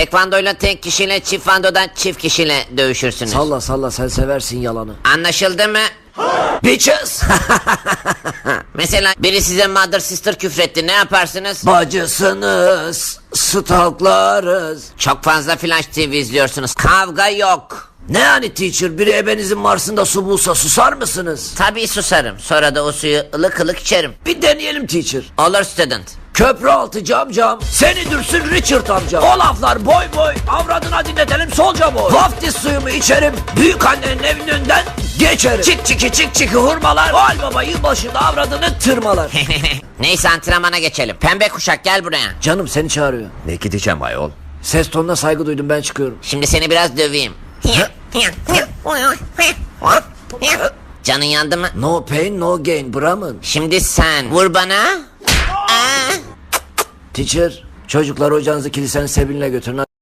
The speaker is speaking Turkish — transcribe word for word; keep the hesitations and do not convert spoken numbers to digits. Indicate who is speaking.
Speaker 1: Tekvandoyla tek kişiyle, çift vandodan çift kişiyle dövüşürsünüz.
Speaker 2: Salla salla, sen seversin yalanı.
Speaker 1: Anlaşıldı mı?
Speaker 2: Bitches.
Speaker 1: Mesela biri size mother sister küfretti, ne yaparsınız?
Speaker 2: Bacısınız, stalklarız.
Speaker 1: Çok fazla Flash T V izliyorsunuz. Kavga yok.
Speaker 2: Ne yani teacher, biri ebenizin Mars'ında su bulsa susar mısınız?
Speaker 1: Tabii susarım. Sonra da o suyu ılık ılık içerim.
Speaker 2: Bir deneyelim teacher.
Speaker 1: Olur student.
Speaker 2: Köprü altı cam cam, seni dürsün Richard amca. O laflar boy boy, avradına dinletelim solca boy. Vaftiz suyumu içerim, büyük annenin evinin önünden geçerim. Çik çiki çik çiki hurmalar, Noel Baba yılbaşında avradını tırmalar.
Speaker 1: Neyse antrenmana geçelim. Pembe kuşak gel buraya.
Speaker 2: Canım seni çağırıyor.
Speaker 3: Ne gideceğim ayol?
Speaker 2: Ses tonuna saygı duydum, ben çıkıyorum.
Speaker 1: Şimdi seni biraz döveyim. Canın yandı mı?
Speaker 2: No pain no gain Brahman.
Speaker 1: Şimdi sen vur bana. Aa!
Speaker 2: Teacher, çocuklar hocanızı kilisenin sebinle götürün.